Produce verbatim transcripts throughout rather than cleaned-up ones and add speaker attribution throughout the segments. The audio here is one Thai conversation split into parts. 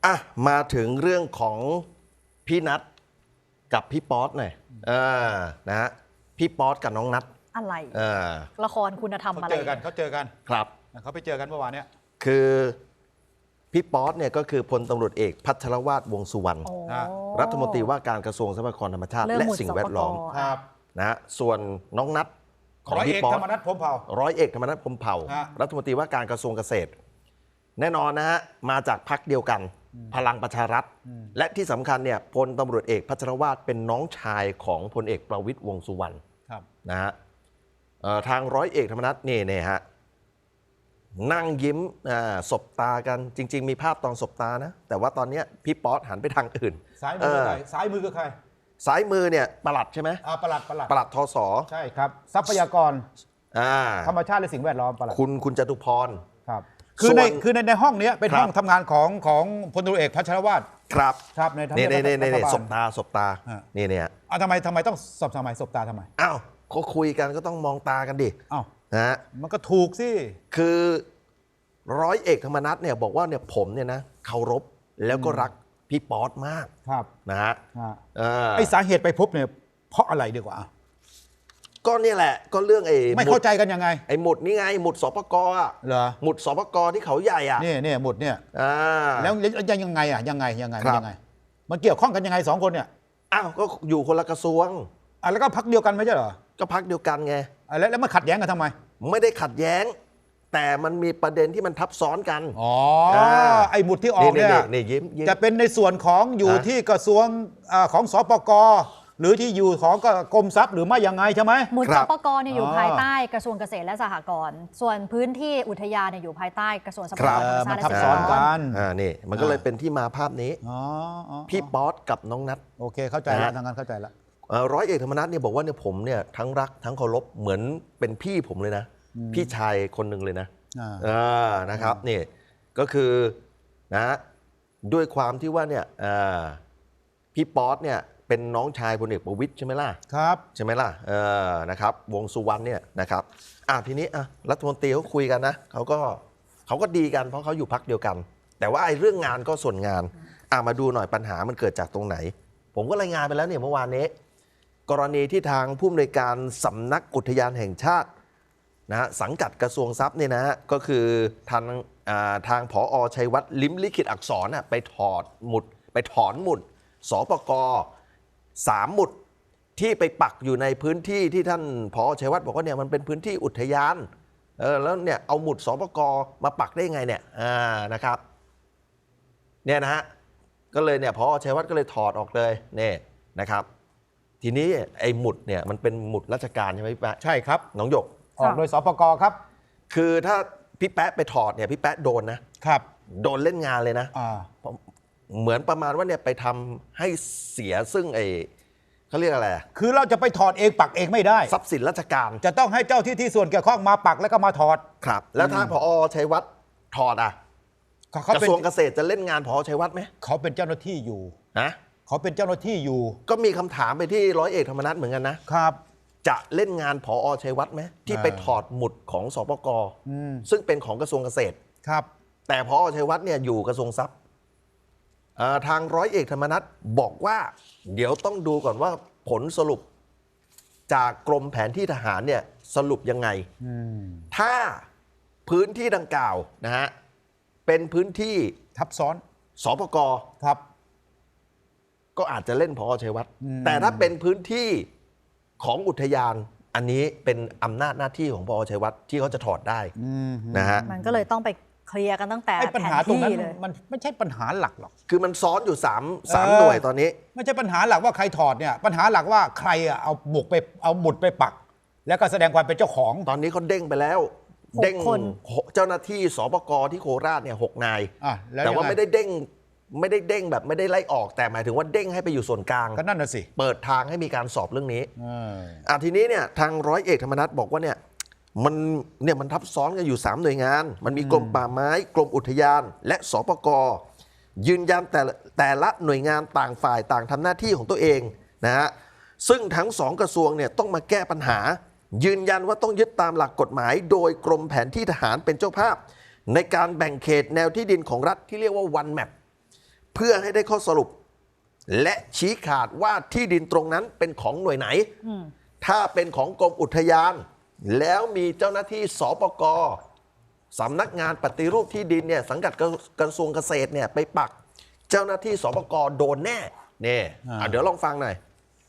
Speaker 1: อ่ะมาถึงเรื่องของพี่นัทกับพี่ป๊อตหน่อยเออนะฮะพี่ป๊อตกับน้องนัท
Speaker 2: อะไร
Speaker 1: เออ
Speaker 2: ละครคุณธรรมอะไร
Speaker 3: เขาเจอกันเขาเจอกัน
Speaker 1: ครับ
Speaker 3: เขาไปเจอกันเมื่อวานเนี้ย
Speaker 1: คือพี่ป๊อตเนี่ยก็คือพลตำรวจเอกพัชรวาทวงษ์สุวรรณรัฐมนตรีว่าการกระทรวงทรัพยากรธรรมชาติและสิ่งแวดล้อม
Speaker 3: ครับ
Speaker 1: นะฮะส่วนน้องนัทของ
Speaker 3: ร้อย
Speaker 1: พี่
Speaker 3: เอก
Speaker 1: ป๊อ
Speaker 3: ธ
Speaker 1: ต
Speaker 3: รรมนัฐพรหมเผ่า
Speaker 1: ร้อยเอกธรรมนัฐพรหมเผ่า
Speaker 3: ฮะ
Speaker 1: รัฐมนตรีว่าการกระทรวงเกษตร แน่นอนนะฮะมาจากพรรคเดียวกันพลังประชารัฐ และที่สำคัญเนี่ยพลตำรวจเอกพัชรวาทเป็นน้องชายของพลเอกประวิตรวงษ์สุวรรณ
Speaker 3: ครับ
Speaker 1: นะฮะเอ่อทางร้อยเอกธรรมนัฐนี่เนี่ยฮะนั่งยิ้มอ่าสบตากันจริง ๆ มีภาพตอนสบตานะ แต่ว่าตอนเนี้ยพี่ป๊อตหันไปทางอื่น
Speaker 3: ซ้ายมือคือใครซ้ายมือคือใคร
Speaker 1: ซ้ายมือเนี่ยปลัดใช่ไหม
Speaker 3: อ่าปลัดปลัด
Speaker 1: ปลัดทศ
Speaker 3: ใช่ครับทรัพยากร
Speaker 1: อ่า
Speaker 3: ธรรมชาติและสิ่งแวดล้อมปลัด
Speaker 1: คุณคุณจตุพร
Speaker 3: ครับคือใน
Speaker 1: ส่วน
Speaker 3: คือในในห้องเนี้ยเป็น
Speaker 1: ครับ
Speaker 3: ห้องทำงานของของพลตำรวจเอกพัชรวาท
Speaker 1: ครับ
Speaker 3: ครับในทำ
Speaker 1: นี่
Speaker 3: เนียบ
Speaker 1: นี่นี่
Speaker 3: รั
Speaker 1: นี่
Speaker 3: ฐบาล
Speaker 1: สบตาสบตา
Speaker 3: ฮะ
Speaker 1: นี่เนี่ย
Speaker 3: อ่ะทำไมทำไมต้องสบทำไมสบตาทำไม
Speaker 1: อ้าวเขาคุยกันก็ต้องมองตากันดิ
Speaker 3: อ้าว
Speaker 1: นะฮะ
Speaker 3: มันก็ถูกสิ
Speaker 1: คือร้อยเอกธรรมนัฐเนี่ยบอกว่าเนี่ยผมเนี่ยนะเคารพแล้วก็รักพี่ป๊อตมาก
Speaker 3: ครับ
Speaker 1: นะฮะ
Speaker 3: อ่า
Speaker 1: เออ
Speaker 3: ไอสาเหตุไปพบเนี่ยเพราะอะไรดีกว่าอ่ะ
Speaker 1: ก็เนี่ยแหละก็เรื่องไอ้
Speaker 3: ไม่
Speaker 1: หมุ
Speaker 3: เข้า
Speaker 1: ด
Speaker 3: ใจกันยังไง
Speaker 1: ไอ้หมุดนี่ไงหมุดสปกอ่ะ
Speaker 3: เหรอ
Speaker 1: หมุดสปกที่เขาใหญ่อ่ะ
Speaker 3: เนี่ยเนี่ยหมดเนี่ย
Speaker 1: อ่า
Speaker 3: แล้วยังยังไงอ่ะยังไงยังไง
Speaker 1: ครับ
Speaker 3: ยังไง มันเกี่ยวข้องกันยังไงสองคนเนี่ย
Speaker 1: อ้าวก็อยู่คนละกระทรวง
Speaker 3: อ่ะแล้วก็พักเดียวกันไม่ใช่เหรอ
Speaker 1: ก็พักเดียวกันไง
Speaker 3: อ่ะแล้วแล้วมันขัดแย้งกันทำไม
Speaker 1: ไม่ได้ขัดแย้ง แต่มันมีประเด็นที่มันทับซ้อนกัน
Speaker 3: อ๋อ
Speaker 1: อ่า
Speaker 3: ไอ้หมุดที่ออกเนี่ย
Speaker 1: นี่ยิ้มยิ้ม
Speaker 3: จะเป็นในส่วนของอยู่
Speaker 1: ฮะ
Speaker 3: ที่กระทรวงอ่าของสปกหรือที่อยู่ของกรมทรัพย์หรือไม่ยังไงใช่ไหม
Speaker 2: หมุด
Speaker 1: ครั
Speaker 2: ส
Speaker 1: บ
Speaker 2: ปกรเนี่ยอยู่
Speaker 3: อ๋อ
Speaker 2: ภายใต้กระทรวงเกษตรและสหกรณ์ส่วนพื้นที่อุทยานเนี่ยอยู่ภายใต้กระทรวงทรัพยากรธรรมชาติและ
Speaker 3: ทับ
Speaker 2: สิ่ง
Speaker 3: ซ้อน
Speaker 2: แวดล้อ
Speaker 3: กั
Speaker 2: ม
Speaker 3: น
Speaker 1: อ่านี่มันก็เลยเป็นที่มาภาพนี้
Speaker 3: อ๋ออ๋อ
Speaker 1: พี่ป๊อตกับน้องนัท
Speaker 3: โอเคเข้าใจ
Speaker 1: นะ
Speaker 3: แล้
Speaker 1: ฮะ
Speaker 3: วทางการเข้าใจแล้ว
Speaker 1: เอ่อร้อยเอกธรรมนัฐเนี่ยบอกว่าเนี่ยผมเนี่ยทั้งรักทั้งเคารพเหมือนเป็นพี่ผมเลยนะ พี่ชายคนหนึ่งเลยนะ
Speaker 3: อ่า
Speaker 1: เออนะครับนี่ก็คือนะด้วยความที่ว่าเนี่ยเอ่อพี่ป๊อตเนี่ยเป็นน้องชายพลเอกประวิตรใช่ไหมล่ะ
Speaker 3: ครับ
Speaker 1: ใช่ไหมล่ะเออนะครับวงสุวรรณเนี่ยนะครับอ่ะทีนี้อ่ะรัฐมนตรีเขาคุยกันนะเขาก็เขาก็ดีกันเพราะเขาอยู่พักเดียวกัน แต่ว่าไอ้เรื่องงานก็ส่วนงานอ่ะมาดูหน่อยปัญหามันเกิดจากตรงไหน ผมก็รายงานไปแล้วเนี่ยเมื่อวานนี้ กรณีที่ทางผู้อำนวยการสำนักอุทยานแห่งชาตินะฮะสังกัดกระทรวงทรัพย์เนี่ยนะฮะก็คือทางอ่าทางผอชัยวัฒน์ลิ้มลิขิตอักษรน่ะไปถอดหมุดไปถอนหมุดสปกสามหมุดที่ไปปักอยู่ในพื้นที่ที่ท่านผอชัยวัฒน์บอกว่าเนี่ยมันเป็นพื้นที่อุทยานเออแล้วเนี่ยเอาหมุดสปกมาปักได้ไงเนี่ยอ่านะครับเนี่ยนะฮะก็เลยเนี่ยผอชัยวัฒน์ก็เลยถอดออกเลยเนี่ยนะครับ ทีนี้ไอ้หมุดเนี่ยมันเป็นหมุดราชการใช่ไหมพี่แป๊ะ
Speaker 3: ใช่ครับ
Speaker 1: น้องหยก
Speaker 3: ออกโดยสปกครับ
Speaker 1: คือถ้าพี่แป๊ะไปถอดเนี่ยพี่แป๊ะโดนนะครับ โดนเล่นงานเลยนะ
Speaker 3: อ่า
Speaker 1: เหมือนประมาณว่าเนี่ยไปทำให้เสียซึ่งไอ้เขาเรียกอะไรอะ
Speaker 3: คือเราจะไปถอดเองปักเองไม่ได้
Speaker 1: ทรัพย์สินราชการ
Speaker 3: จะต้องให้เจ้าที่ที่ส่วนเกี่ยวข้องมาปักแล้วก็มาถอด
Speaker 1: ครับ แล้วถ้าพอชัยวัฒน์ถอดอ่ะ
Speaker 3: เขาเขา
Speaker 1: กระ
Speaker 3: เป็น
Speaker 1: ทรวงเกษตรจะเล่นงานพอชัยวัฒน์ไหม
Speaker 3: เขาเป็นเจ้าหน้าที่อยู่
Speaker 1: นะ
Speaker 3: เขาเป็นเจ้าหน้าที่อยู่
Speaker 1: ก็มีคำถามไปที่ร้อยเอกธรรมนัฐเหมือนกันนะครับ จะเล่นงานพอชัยวัฒน์ไหมที่ไป
Speaker 3: อ่า
Speaker 1: ถอดหมุดของสปก
Speaker 3: อืม
Speaker 1: ซึ่งเป็นของกระทรวงเกษตร
Speaker 3: ครับ
Speaker 1: แต่พอชัยวัฒน์เนี่ยอยู่กระทรวงทรัพย์เอ่อทางร้อยเอกธรรมนัฐบอกว่า เดี๋ยวต้องดูก่อนว่าผลสรุปจากกรมแผนที่ทหารเนี่ยสรุปยังไง
Speaker 3: อืม
Speaker 1: ถ้าพื้นที่ดังกล่าวนะฮะเป็นพื้นที่
Speaker 3: ทับซ้อน
Speaker 1: สปก
Speaker 3: ครับ
Speaker 1: ก็อาจจะเล่นพอชัยวัฒน์
Speaker 3: อืม
Speaker 1: แต่ถ้าเป็นพื้นที่ของอุทยาน อันนี้เป็นอำนาจหน้าที่ของพอชัยวัฒน์ที่เขาจะถอดได้
Speaker 3: อืม
Speaker 1: นะฮะ
Speaker 2: มันก็เลยต้องไปเคลียร์กันตั้งแต่
Speaker 3: ไอ้ปัญ
Speaker 2: แผน
Speaker 3: หาตรงนั้น
Speaker 2: ที่เลย
Speaker 3: มันไม่ใช่ปัญหาหลักหรอก
Speaker 1: คือมันซ้อนอยู่สามสาม
Speaker 3: เออ
Speaker 1: หน่วยตอนนี้
Speaker 3: ไม่ใช่ปัญหาหลักว่าใครถอดเนี่ยปัญหาหลักว่าใครอะเอาบุกไปเอาหมุดไปปัก แล้วก็แสดงความเป็นเจ้าของ
Speaker 1: ตอนนี้เขาเด้งไปแล้ว
Speaker 2: หก
Speaker 1: เด้ง
Speaker 2: คน
Speaker 1: หกเจ้าหน้าที่สปกที่โคราชเนี่ยหกนาย
Speaker 3: อ่ะแล้ว
Speaker 1: แต่ว่า
Speaker 3: ยังไง
Speaker 1: ไม่ได้เด้งไม่ได้เด้งแบบไม่ได้ไล่ออก แต่หมายถึงว่าเด้งให้ไปอยู่ส่วนกลาง
Speaker 3: ก็นั่นน่ะสิ
Speaker 1: เปิดทางให้มีการสอบเรื่องนี้
Speaker 3: เออ
Speaker 1: อ่ะทีนี้เนี่ยทางร้อยเอกธรรมนัฐบอกว่าเนี่ยมันเนี่ยมันทับซ้อนกันอยู่สามหน่วยงาน มันมีกรมป่าไม้กรมอุทยาน และสปกยืนยันแต่ละแต่ละหน่วยงานต่างฝ่ายต่างทำหน้าที่ของตัวเองนะฮะซึ่งทั้งสองกระทรวงเนี่ยต้องมาแก้ปัญหา ยืนยันว่าต้องยึดตามหลักกฎหมาย โดยกรมแผนที่ทหารเป็นเจ้าภาพ ในการแบ่งเขตแนวที่ดินของรัฐที่เรียกว่า one map เพื่อให้ได้ข้อสรุป และชี้ขาดว่าที่ดินตรงนั้นเป็นของหน่วยไหน ถ้าเป็นของกรมอุทยาน แล้วมีเจ้าหน้าที่สปกสำนักงานปฏิรูปที่ดินเนี่ยสังกัดกระทรวงเกษตรเนี่ยไปปักเจ้าหน้าที่สปกโดนแน่เนี่ยอ่ะเดี๋ยวลองฟังหน่อย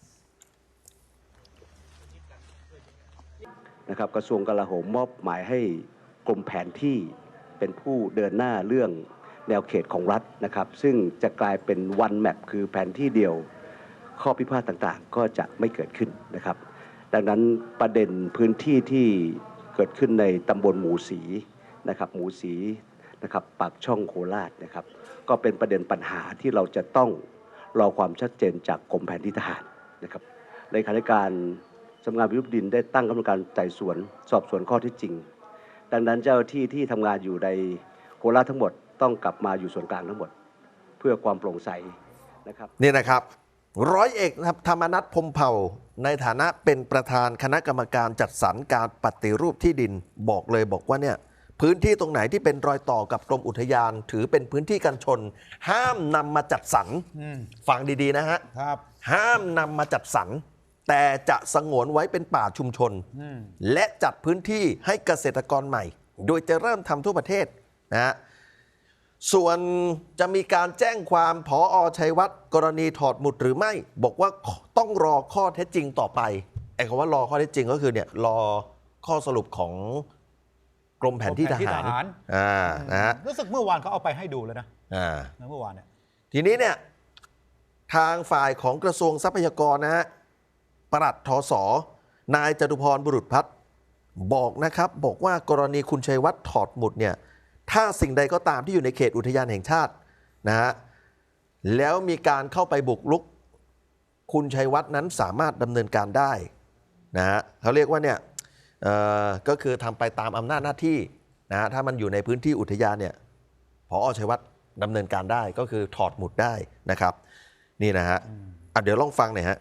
Speaker 4: นะครับกระทรวงกลาโหมมอบหมายให้กรมแผนที่เป็นผู้เดินหน้าเรื่องแนวเขตของรัฐนะครับซึ่งจะกลายเป็น one map คือแผนที่เดียวข้อพิพาทต่างๆก็จะไม่เกิดขึ้นนะครับดังนั้นประเด็นพื้นที่ที่เกิดขึ้นในตำบลหมูสีนะครับหมูสีนะครับปากช่องโคราชนะครับก็เป็นประเด็นปัญหาที่เราจะต้องรอความชัดเจนจากกรมแผนที่ทหารนะครับเลขาธิการสำนักงานปฏิรูปดินได้ตั้งคณะกรรมการไต่สวนสอบสวนข้อเท็จจริงดังนั้นเจ้าหน้าที่ที่ทำงานอยู่ในโคราชทั้งหมดต้องกลับมาอยู่ส่วนกลางทั้งหมดเพื่อความโปร่งใสนะครับ
Speaker 1: นี่นะครับร้อยเอกธรรมนัสพรหมเผ่าในฐานะเป็นประธานคณะกรรมการจัดสรรการปฏิรูปที่ดินบอกเลยบอกว่าเนี่ยพื้นที่ตรงไหนที่เป็นรอยต่อกับกรมอุทยานถือเป็นพื้นที่กันชนห้ามนำมาจัดสรรฟังดีๆนะฮะห้ามนำมาจัดสรรแต่จะสงวนไว้เป็นป่าชุมชนและจัดพื้นที่ให้เกษตรกรใหม่โดยจะเริ่มทำทั่วประเทศนะฮะส่วนจะมีการแจ้งความผอ.ชัยวัฒน์กรณีถอดหมุดหรือไม่บอกว่าต้องรอข้อเท็จจริงต่อไปไอ้คำว่ารอข้อเท็จจริงก็คือเนี่ยรอข้อสรุปของกรมแผนที่ทหารอ่านะฮะ
Speaker 3: รู้สึกเมื่อวานเขาเอาไปให้ดูแล้วนะ
Speaker 1: อ่า
Speaker 3: เมื่อวานเนี่ย
Speaker 1: ทีนี้เนี่ยทางฝ่ายของกระทรวงทรัพยากรนะฮะปลัดทศนายจตุพรบุรุษพัฒน์บอกนะครับบอกว่ากรณีคุณชัยวัฒน์ถอดหมุดเนี่ยถ้าสิ่งใดก็ตามที่อยู่ในเขตอุทยานแห่งชาตินะฮะแล้วมีการเข้าไปบุกรุกคุณชัยวัฒน์นั้นสามารถดำเนินการได้นะฮะเขาเรียกว่าเนี่ยก็คือทำไปตามอำนาจหน้าที่นะฮะถ้ามันอยู่ในพื้นที่อุทยานเนี่ยผอ.ชัยวัฒน์ดำเนินการได้ก็คือถอดหมุดได้นะครับนี่นะฮะอ่ะเดี๋ยวลองฟังหน่อยฮะ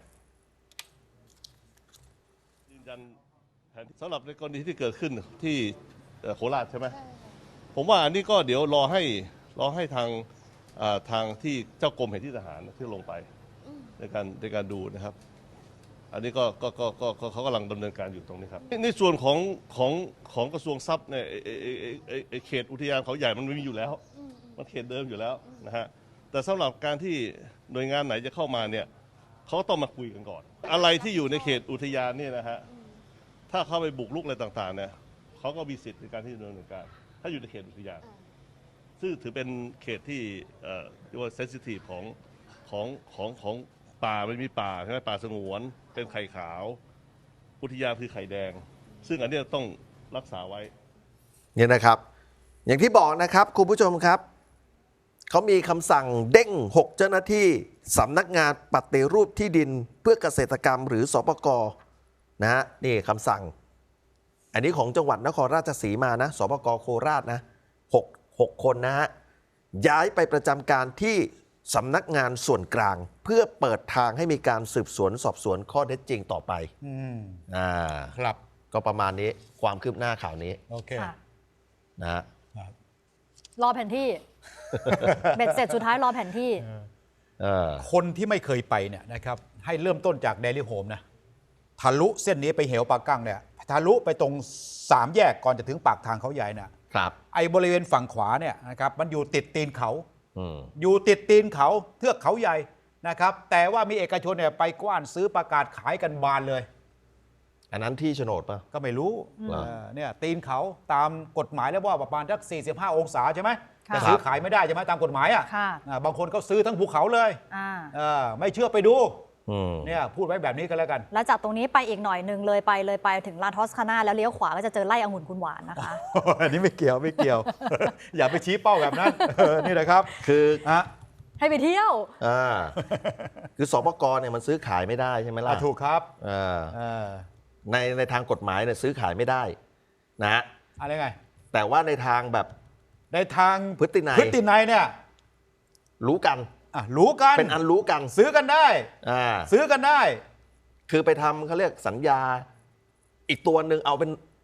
Speaker 5: ยืนยันแผนสำหรับในกรณีที่เกิดขึ้นที่โคราชใช่ไหมผมว่าอันนี้ก็เดี๋ยวรอให้รอให้ทางทางที่เจ้ากรมแผนที่ทหารที่ลงไปในการในการดูนะครับอันนี้ก็ก็ก็ก็เขากำลังดำเนินการอยู่ตรงนี้ครับในส่วนของของของกระทรวงทรัพย์เนี่ยเขตอุทยานเขาใหญ่มันมีอยู่แล้วมันเขตเดิมอยู่แล้วนะฮะแต่สำหรับการที่หน่วยงานไหนจะเข้ามาเนี่ยเขาต้องมาคุยกันก่อนอะไรที่อยู่ในเขตอุทยานเนี่ยนะฮะถ้าเข้าไปบุกรุกอะไรต่างๆเนี่ยเขาก็มีสิทธิ์ในการที่ดำเนินการถ้าอยู่ในเขตอุทยานซึ่งถือเป็นเขตที่เรียกว่าเซนซิทีฟของของของของป่ามันมีป่าใช่ไหมป่าสงวนเป็นไข่ขาวอุทยานคือไข่แดงซึ่งอันนี้ต้องรักษาไว้
Speaker 1: เนี่ยนะครับอย่างที่บอกนะครับคุณผู้ชมครับเขามีคำสั่งเด้งหกเจ้าหน้าที่สำนักงานปฏิรูปที่ดินเพื่อเกษตรกรรมหรือสปก.นะฮะนี่คำสั่งอันนี้ของจังหวัดนครราชสีมานะสปก.โคราชนะหก หกคนนะฮะย้ายไปประจำการที่สำนักงานส่วนกลางเพื่อเปิดทางให้มีการสืบสวนสอบสวนข้อเท็จจริงต่อไป
Speaker 3: อืม
Speaker 1: อ่า
Speaker 3: ครับ
Speaker 1: ก็ประมาณนี้ความคืบหน้าข่าวนี้
Speaker 3: โอเค
Speaker 1: นะฮะ
Speaker 2: รอแผนที่ เบ็ดเสร็จสุดท้ายรอแผนที่
Speaker 3: คนที่ไม่เคยไปเนี่ยนะครับให้เริ่มต้นจากเดลี่โฮมนะทะลุเส้นนี้ไปเหวปากกั้งเนี่ยทะลุไปตรงสามแยกก่อนจะถึงปากทางเขาใหญ่น่ะ
Speaker 1: ครับ
Speaker 3: ไอ้บริเวณฝั่งขวาเนี่ยนะครับมันอยู่ติดตีนเขาอยู่ติดตีนเขาเทือกเขาใหญ่นะครับแต่ว่ามีเอกชนเนี่ยไปกว้านซื้อประกาศขายกันบานเลย
Speaker 1: อันนั้นที่โฉนดป่ะ
Speaker 3: ก็ไม่รู้เนี่ยตีนเขาตามกฎหมายแล้วว่าประมาณสักสี่สิบห้าองศาใช่ไหมแต่ซื้อขายไม่ได้ใช่ไหมตามกฎหมายอ่ะบางคนก็ซื้อทั้งภูเขาเลยไม่เชื่อไปดูเนี่ยพูดไว้แบบนี้ก็แล้วกัน
Speaker 2: แล้วจากตรงนี้ไปอีกหน่อยหนึ่งเลยไปเลยไปถึงลานทอสคาน่าแล้วเลี้ยวขวาก็จะเจอไร่องุ่นคุณหวานนะคะ
Speaker 3: อันนี้ไม่เกี่ยวไม่เกี่ยว อย่าไปชี้เป้าแบบนั้นนี่นะครับ
Speaker 1: คือ
Speaker 2: ให้ไปเที่ยว
Speaker 1: อ่าคือสปก.เนี่ยมันซื้อขายไม่ได้ใช่ไหมล่ะ
Speaker 3: ถูกครับ
Speaker 1: ในในทางกฎหมายเนี่ยซื้อขายไม่ได้นะ
Speaker 3: อะไรไง
Speaker 1: แต่ว่าในทางแบบ
Speaker 3: ในทาง
Speaker 1: พฤตินัย
Speaker 3: พฤตินัยเนี่ย
Speaker 1: รู้กัน
Speaker 3: อ่ะรู้กัน
Speaker 1: เป็นอันรู้กัน
Speaker 3: ซื้อกันได้
Speaker 1: อ่า
Speaker 3: ซื้อกันได้
Speaker 1: คือไปทำเขาเรียกสัญญาอีกตัวหนึ่งเอาเป็น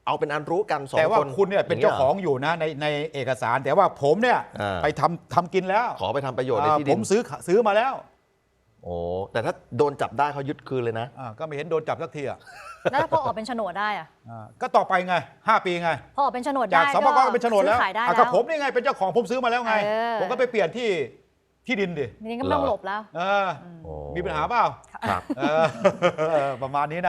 Speaker 1: เอาเป็นอันรู้กันสองคน
Speaker 3: แต่ว่าคุณเนี่ยเป็นเจ้าของอยู่นะในในเอกสาร แต่ว่าผมเนี่ย
Speaker 1: อ่า
Speaker 3: ไปทำทำกินแล้ว
Speaker 1: ขอไปทำประโยชน์ในที่ดิ
Speaker 3: ผ
Speaker 1: น
Speaker 3: มซื้อซื้อมาแล้ว
Speaker 1: โอ้แต่ถ้าโดนจับได้เขายึดคืนเลยนะ
Speaker 3: อ่าก็ไม่เห็นโดนจับสักทีอ่ะ
Speaker 2: แล้วพอออกเป็นโฉนดได้อะ
Speaker 3: อ่าก็ต่อไปไงห้าปีไง
Speaker 2: พอออกเป็นโฉนด
Speaker 3: จา
Speaker 2: ได้
Speaker 3: กสปกก็เป็นโฉนดแล้ว
Speaker 2: ซื้อขายได้
Speaker 3: อ่ะ
Speaker 2: แล้
Speaker 3: ก็
Speaker 2: ว
Speaker 3: ผมนี่ไงเป็นเจ้าของผมซื้อมาแล้วไง
Speaker 2: เออ
Speaker 3: ผมก็ไปเปลี่ยนที่ที่ดินดิ
Speaker 2: ทีนี้ก็ไม่ต้องหลบแล้ว
Speaker 3: เออ
Speaker 1: โอ้
Speaker 3: มีปัญหาเปล่า
Speaker 1: ครับ
Speaker 3: เออประมาณนี้นะ